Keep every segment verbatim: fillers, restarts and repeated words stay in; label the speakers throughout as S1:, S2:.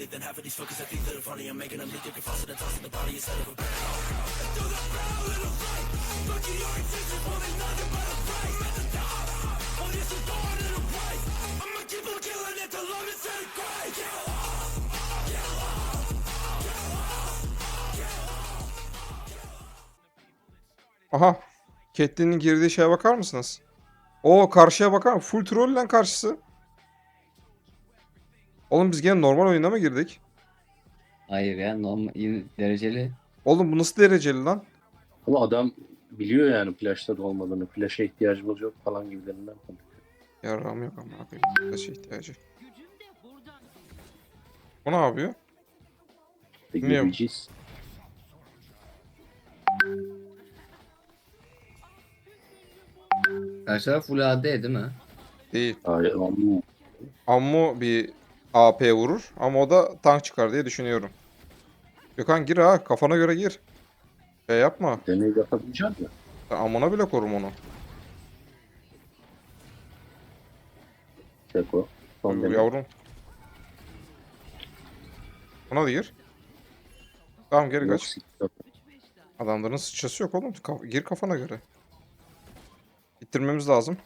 S1: Aha. Catelyn'in girdiği şeye bakar mısınız? O karşıya bakar mı? Full troll lan karşısı. Oğlum biz gene normal oyuna mı girdik?
S2: Hayır ya, normal yine dereceli.
S1: Oğlum bu nasıl dereceli lan?
S3: Ama adam biliyor yani flash'ta da olmadığını. Flash'a ihtiyacımız yok falan gibilerinden konuşuyor.
S1: Yarrağım yok ama koyayım. Taşa ihtiyacı. O ne yapıyor?
S3: Ve
S1: Niye?
S3: göreceğiz.
S2: Karşı taraf full A D değil mi?
S1: Değil.
S3: Hayır, ama
S1: Ammu bir A P vurur ama o da tank çıkar diye düşünüyorum. Gökhan gir ha. Kafana göre gir. Şey yapma.
S3: deney yapabileceğim ya.
S1: Ben amına bile korum onu.
S3: Seko. Son
S1: Dur
S3: deney.
S1: yavrum. Buna da gir. Tamam geri
S3: Yok,
S1: kaç.
S3: siktir.
S1: Adamların sıçrası yok oğlum. Ka- gir kafana göre. Bitirmemiz lazım.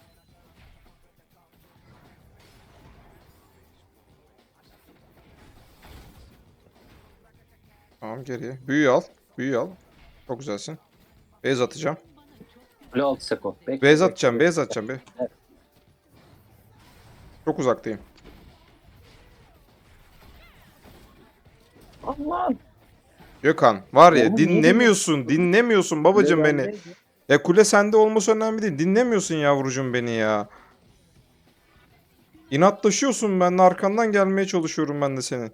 S1: Tamam geriye. Büyüyü al. Büyüyü al. Çok güzelsin. Beyaz atacağım.
S3: Kule altı Seko. Bekle,
S1: Beyaz
S3: bekle,
S1: atacağım.
S3: bekle.
S1: Beyaz atacağım. Be.
S3: Evet.
S1: Çok uzaktayım.
S3: Allah.
S1: Gökhan var ya
S3: Oğlum,
S1: dinlemiyorsun. Dinlemiyorsun babacım
S3: Kule
S1: beni.
S3: bendeydi.
S1: Ya kule sende olması önemli değil. Dinlemiyorsun yavrucuğum beni ya. İnatlaşıyorsun benimle arkandan gelmeye çalışıyorum ben de senin.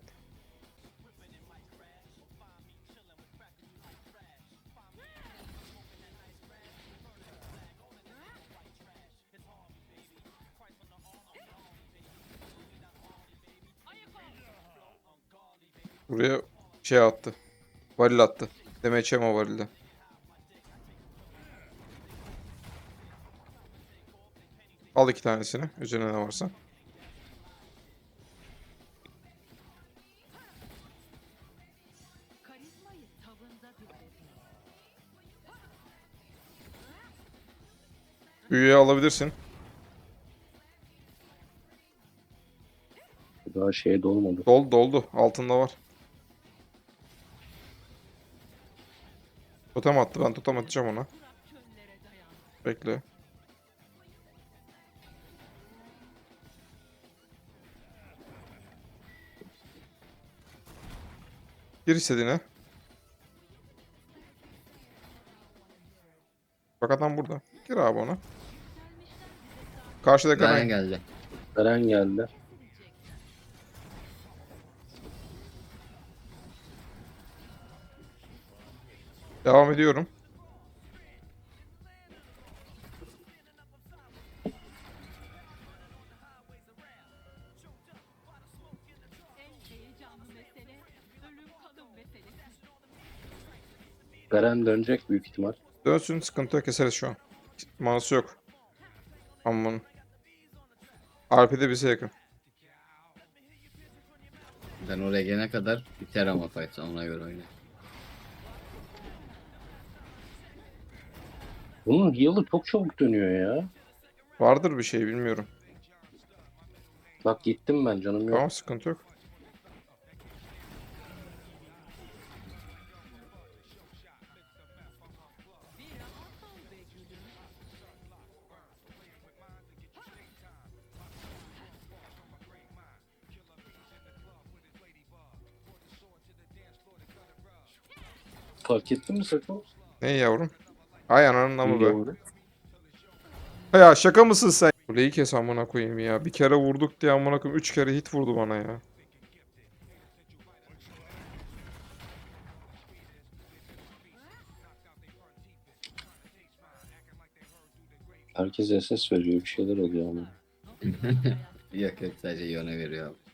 S1: Buraya şey attı. Varil attı. Demeçem o varilde. Al iki tanesini. Üzerine ne varsa. Büyüye alabilirsin.
S3: Daha şeye dolmadı.
S1: Doldu doldu. Altında var. Totem attı. Ben totem atacağım ona. Bekle. Gir istediğine. Bak adam burada. Gir abi ona. Karşıda
S2: Garen
S1: Garen.
S2: geldi.
S3: Eren geldi.
S1: Devam ediyorum.
S3: Eren dönecek büyük ihtimal.
S1: Dönsün sıkıntı yok keseriz şu an. Manası yok. Aman. R P'de bize yakın.
S2: Ben oraya gelene kadar biter ama fight, ona göre oyna.
S3: Bunun heal'ı çok çabuk dönüyor ya.
S1: Vardır bir şey bilmiyorum.
S3: Bak gittim ben, canım yok.
S1: Tamam sıkıntı yok.
S3: Fark ettin mi Seko?
S1: Ne yavrum? Ay ananın amı be.
S3: Doğru.
S1: Ya şaka mısın sen? Kuleyi kes amına koyayım ya. Bir kere vurduk diye amına koyayım. Üç kere hit vurdu bana ya.
S3: Herkes S S veriyor, bir şeyler oluyor ama.
S2: Yok yok, sadece Yone veriyor abi.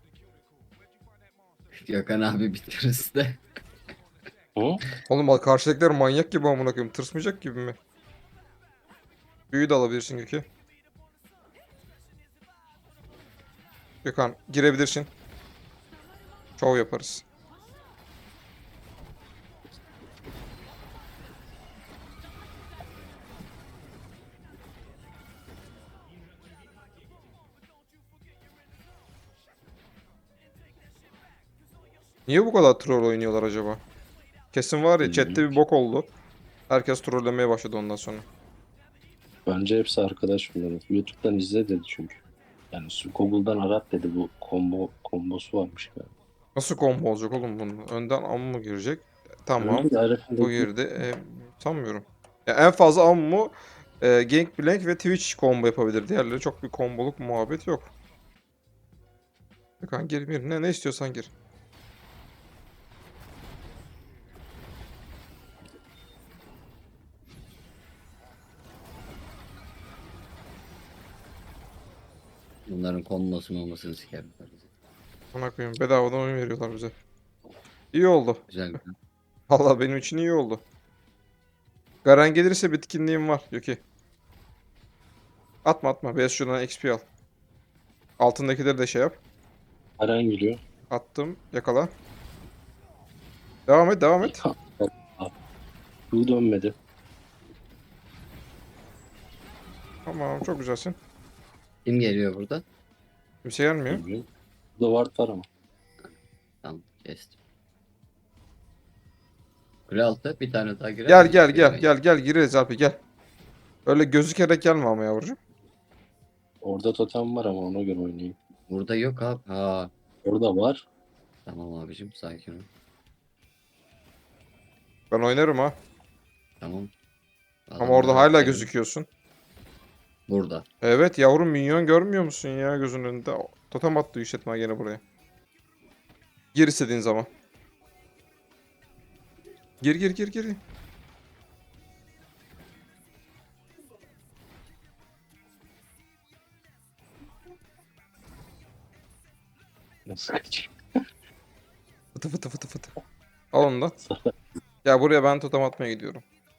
S2: Gökhan abi bitiririz de.
S3: Hı?
S1: Oğlum bak karşıdakiler manyak gibi amına koyayım. Tırsmayacak gibi mi? Büyü de alabilirsin Gökü. Gökhan girebilirsin. Şov yaparız. Niye bu kadar troll oynuyorlar acaba? Kesin var ya chatte
S3: Bilmiyorum
S1: bir
S3: ki.
S1: bok oldu. Herkes trollemeye başladı ondan sonra.
S3: Bence hepsi arkadaş bunların. YouTube'dan izle dedi çünkü. Yani su- Google'dan arat dedi, bu combo kombosu varmış yani.
S1: Nasıl combo olacak oğlum bunun? Önden Ammu girecek. Tamam.
S3: Öyle de
S1: Bu
S3: Arif'indeki
S1: girdi. E, sanmıyorum. Ya en fazla Ammu, e, Gangplank ve Twitch combo yapabilir. Diğerleri çok bir komboluk muhabbet yok. Gökhan gir bir. Ne, ne istiyorsan gir.
S2: Bunların konmasını olmasını sikerim.
S1: Ona koyayım. Bedavadan oyun veriyorlar bize. İyi oldu.
S2: Güzel güzel.
S1: Vallahi benim için iyi oldu. Garen gelirse bitkinliğim var Yuki. Atma atma. Beyaz şuradan X P al. Altındakileri de şey yap.
S3: Aren geliyor.
S1: Attım. Yakala. Devam et devam et.
S3: Bu dönmedi.
S1: Tamam çok güzelsin.
S2: Kim geliyor burada?
S1: Kimse gelmiyor.
S3: Bilmiyorum. Burada ward var ama.
S2: Tamam kestim. Kule altı bir tane daha girer
S1: Gel
S2: miyiz?
S1: gel gel
S2: Giremeyiz.
S1: gel gel gireriz abi gel. Öyle gözükerek gelme ama yavrucuğum.
S3: Orada totem var ama ona göre oynayayım.
S2: Burada yok abi. Ha,
S3: Orada var.
S2: tamam abicim sakin ol.
S1: Ben oynarım ha.
S2: Tamam.
S1: Ama orada
S2: Adamları
S1: hala
S2: bitirelim.
S1: gözüküyorsun.
S2: Burada.
S1: Evet yavrum minyon görmüyor musun ya gözünün önünde? Totem attı işletme gene buraya. Gir istediğin zaman. Gir gir gir gir.
S3: Nasıl kaçayım?
S1: Fıtı fıtı fıtı fıtı. Al onu da. Ya buraya ben totem atmaya gidiyorum.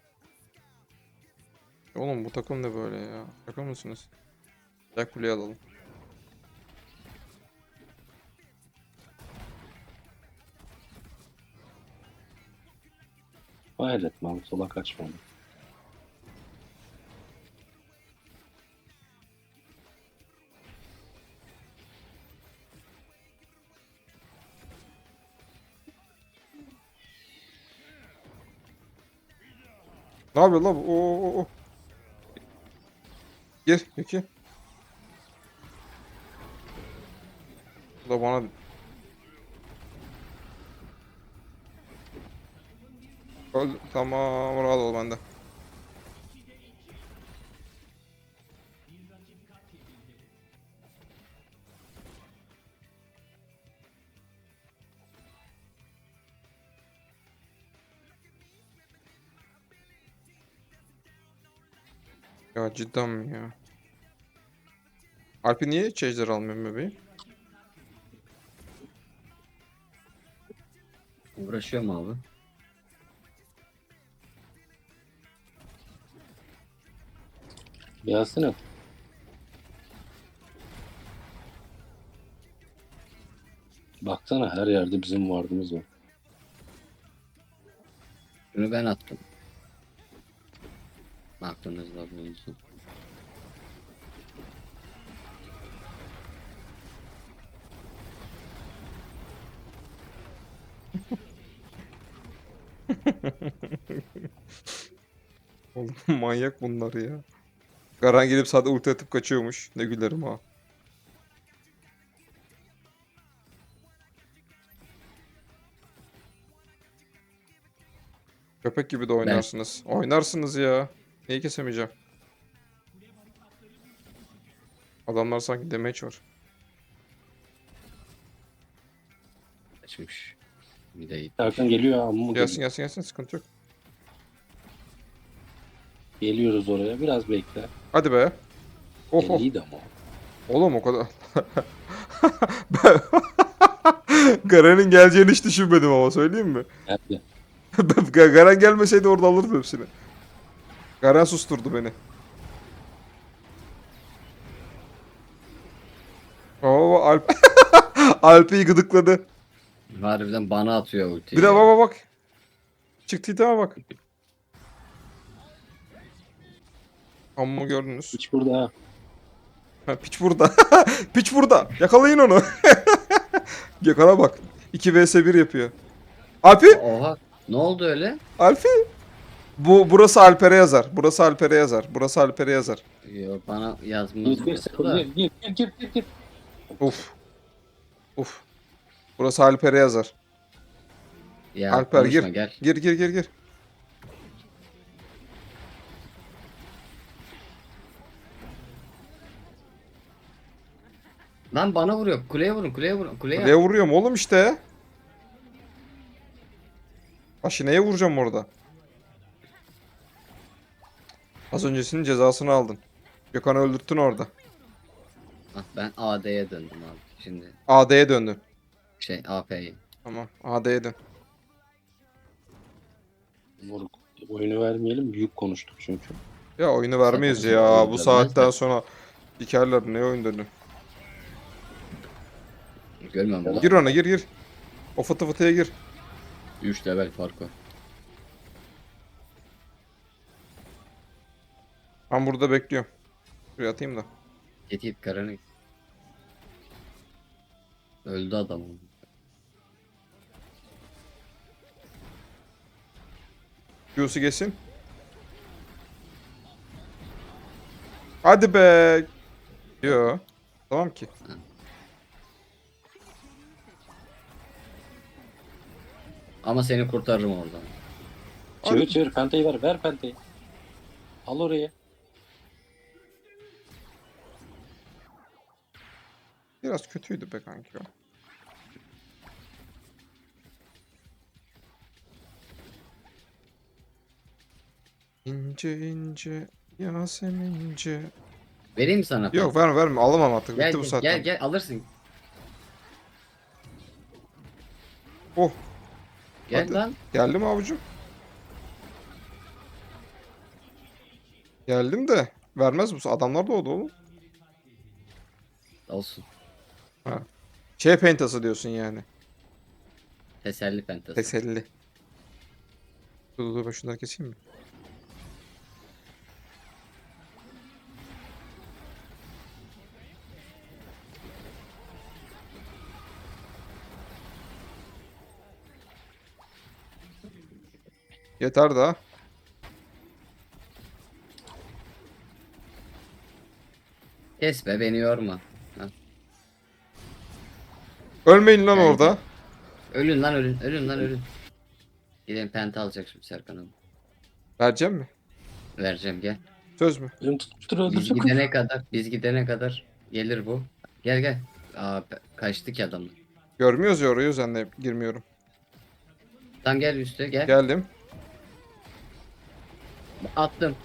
S1: Oğlum bu takım ne böyle ya? Şaka mısınız? Gel kuleyi alalım.
S3: Hayret lan, sola kaçmadı.
S1: Ne yapıyor la bu? Oo, oo, oo. Gir Yuki. Bu da bana... Öl tamam rahat ol bende. Ya cidden mi ya? Alp'i niye hiç ejder almıyorum bebeğim?
S2: Uğraşıyor mu abi?
S3: Gelsene. Baksana, her yerde bizim vardığımız var.
S2: Şunu ben attım. Aklınızda bulunsun.
S1: Oğlum manyak bunlar ya. Garan gelip sadece ulti atıp kaçıyormuş. Ne gülerim ha. Köpek gibi de oynarsınız. Oynarsınız ya. Neyi kesemeyeceğim? Adamlar sanki damage var.
S2: Açmış. Bir de
S3: Erkan geliyor ha, amma
S1: Gelsin
S3: geliyor.
S1: gelsin gelsin sıkıntı yok.
S3: Geliyoruz oraya, biraz bekle.
S1: Hadi be. Oh oh.
S3: Elliydi ama.
S1: Oğlum o kadar. Ben... Garen'in geleceğini hiç düşünmedim ama söyleyeyim mi?
S3: Geldi.
S1: Garen gelmeseydi orada alırdım hepsini. Garen susturdu beni. Oo Alp. Alp'i gıdıkladı.
S2: Harbiden bana atıyor ultiyi.
S1: Bir de
S2: ya.
S1: baba bak. Çıktı iteme bak. Amma gördünüz.
S3: Hiç burada ha.
S1: Ha, piç burada. Piç burada. Yakalayın onu. Gökhan'a bak. iki vs bir yapıyor. Alpi.
S2: Oha. Ne oldu öyle?
S1: Alpi. Bu burası Alper'e yazar. Burası Alper'e yazar. Burası Alper'e yazar.
S2: Yok bana yazmaz
S3: Gir gir
S2: burası
S3: sıfır
S2: da.
S3: gir gir gir gir gir gir.
S1: Uf. Uf. Burası Alper'e yazar.
S2: Ya
S1: Alper
S2: konuşma
S1: gir.
S2: gel.
S1: Gir gir gir gir.
S2: Lan bana vuruyor. Kuleye vurun kuleye vurun. Kuleye.
S1: Kuleye vuruyorum oğlum işte. Başı neye vuracağım orada? Az öncesinin cezasını aldın. Gökhan'ı öldürttün orada.
S2: Ah, ben A D'ye döndüm abi. Şimdi
S1: A D'ye döndün.
S2: şey A P'ye.
S1: Tamam. A D'ye dön.
S3: Moruk. Oyunu vermeyelim. Büyük konuştuk çünkü.
S1: Ya oyunu vermeyiz
S2: Sakın
S1: ya.
S2: oyun
S1: Bu
S2: vermez
S1: saatten
S2: de.
S1: sonra dikerler ne oyun dönü.
S2: Görmüyor musun?
S1: Gir ona gir gir. O fıtı fıtıya gir.
S2: üç level fark var.
S1: Ben burada bekliyorum. Şuraya atayım da.
S2: Git git karını git. Öldü adam.
S1: Q'su geçsin. Hadi be. Yo. Tamam ki.
S2: Ama seni kurtarırım oradan.
S3: Çevir çevir pentayı ver. Ver pentayı. Al oraya.
S1: Biraz kötüydü be kanki o. İnce ince Yasemince.
S2: Vereyim mi sana?
S1: Yok verme verme alamam artık.
S2: Gel
S1: Bitti bu
S2: gel,
S1: saatten.
S2: gel gel alırsın.
S1: Oh
S2: Gel
S1: Hadi.
S2: lan.
S1: geldim avucum. Geldim de vermez bu. Adamlar da oldu oğlum.
S2: Olsun.
S1: Şey pentası diyorsun yani.
S2: Teselli pentası.
S1: Teselli. Dur dur dur ben şunları keseyim mi? Yeter daha.
S2: Kes be beni yorma. Ha.
S1: Ölmeyin lan
S2: Gel,
S1: orada.
S2: Ölün lan ölün. Ölün lan ölün. Gidelim penta alacak şimdi Serkan abi.
S1: Vereceğim mi?
S2: Vereceğim gel.
S1: Söz mü?
S3: Benim tutuştur
S2: Biz
S3: öldürecek.
S2: gidene kadar biz gidene kadar gelir bu. Gel gel. Aa pe- kaçtı ki adamlar.
S1: Görmüyoruz ya orayı o yüzden de girmiyorum.
S2: Tam gel üstte gel.
S1: Geldim.
S2: Attım.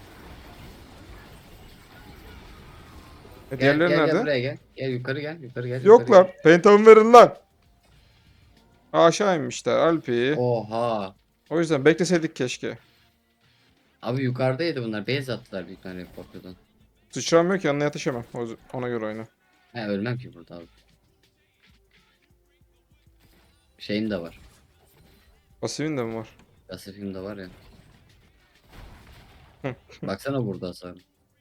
S1: E,
S2: Gel,
S1: diğerleri
S2: gel,
S1: nerede?
S2: gel buraya gel. Gel yukarı gel. Yukarı gel.
S1: Yok
S2: yukarı
S1: lan. Pentamı verin lan. Aşağı inmişler Alpi.
S2: gel. Oha.
S1: O yüzden bekleseydik keşke.
S2: Abi yukarıdaydı bunlar. Beyaz attılar bir tane korkudan.
S1: Sıçram yok yanına yetişemem. O- Ona göre oyna.
S2: He ölmem ki burada abi. Şeyim de var.
S1: Pasifin de mi var?
S2: Pasifim de var ya.
S1: Hı.
S2: Baksana burada hasar.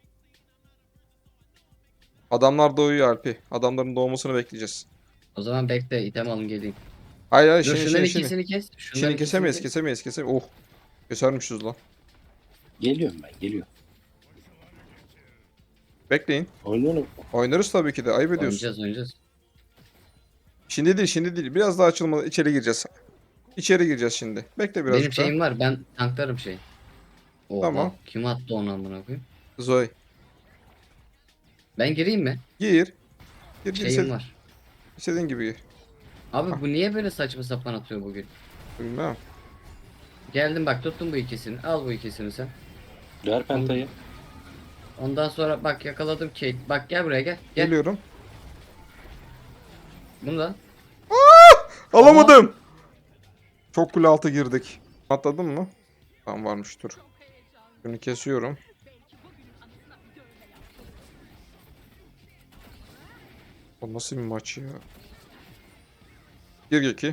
S1: Adamlar doğuyor Alpi. Adamların doğmasını bekleyeceğiz.
S2: O zaman bekle item alın geleyim.
S1: Hayır hayır
S2: Dur
S1: şimdi
S2: şunların
S1: şimdi şimdi.
S2: ikisini kes. Şunların
S1: Şimdi
S2: ikisini
S1: kesemeyiz
S2: kes.
S1: kesemeyiz kesemeyiz. Oh. Kesermişiz lan.
S3: Geliyorum ben geliyorum.
S1: Bekleyin.
S3: Oynuyorum.
S1: Oynarız tabii ki de. Ayıp ediyorsun.
S2: Oynayacağız oynayacağız.
S1: Şimdi değil şimdi değil. Biraz daha açılmadan içeri gireceğiz. İçeri gireceğiz şimdi. Bekle birazcık
S2: Benim şeyim var ben tanklarım şey. Oha,
S1: Tamam.
S2: kim attı onu amına koyayım?
S1: daha. Zoe.
S2: Ben gireyim mi?
S1: Gir. Gir gir.
S2: Şeyim
S1: istediğin,
S2: var.
S1: istediğin gibi gir.
S2: Abi bu niye böyle saçma sapan atıyor bugün?
S1: Bilmem.
S2: Geldim bak tuttum bu ikisini. Al bu ikisini sen.
S3: Ver pentayı.
S2: Ondan sonra bak yakaladım Kate. Bak gel buraya gel. Gel.
S1: Geliyorum.
S2: Bunu da.
S1: Alamadım. Çok kule altı girdik. Atladın mı? Tamam varmış dur. Şunu kesiyorum. O nasıl bir maç ya? Gir Göki.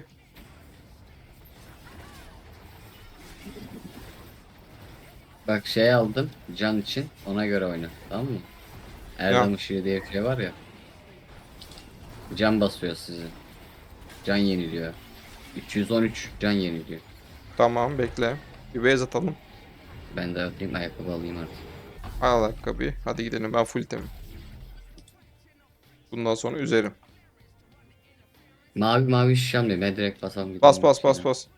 S2: Bak şey aldım can için ona göre oyna tamam mı? Erdem ışığı diye bir şey var ya. Can basıyor sizi. Can yeniliyor. üç yüz on üç can yeniliyor.
S1: Tamam bekle. Bir base atalım.
S2: Ben de atayım ayakkabı alayım artık.
S1: Al ayakkabıyı. Hadi gidelim. Ben full temim. Bundan sonra üzerim.
S2: Mavi mavi şişem diyor. Ben direkt basam gidiyorum.
S1: Bas bas bas
S2: içine.
S1: bas.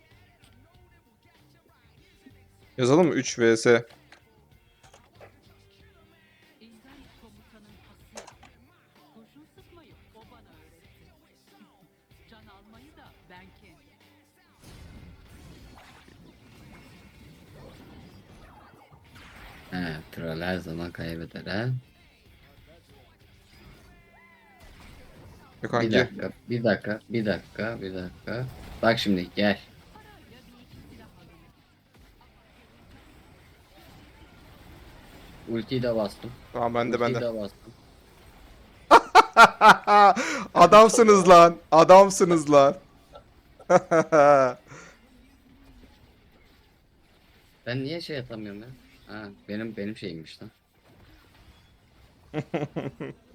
S1: Yazalım mı? üç vs.
S4: İlgal komutanın hası. Kurşun sıkmayı o bana öğretti. Can almayı da ben kendim.
S2: He, troll her zaman kaybeder ha.
S1: Gökhan
S2: Bir
S1: gir.
S2: dakika, bir dakika, bir dakika, bir dakika. Bak şimdi gel. Ultiyi de bastım.
S1: Tamam ben de ben
S2: Ultiyi
S1: de.
S2: de bastım.
S1: Adamsınız lan. Adamsınız lan.
S2: Ben niye şey atamıyorum ya? Ha, benim benim şeyimmiş lan.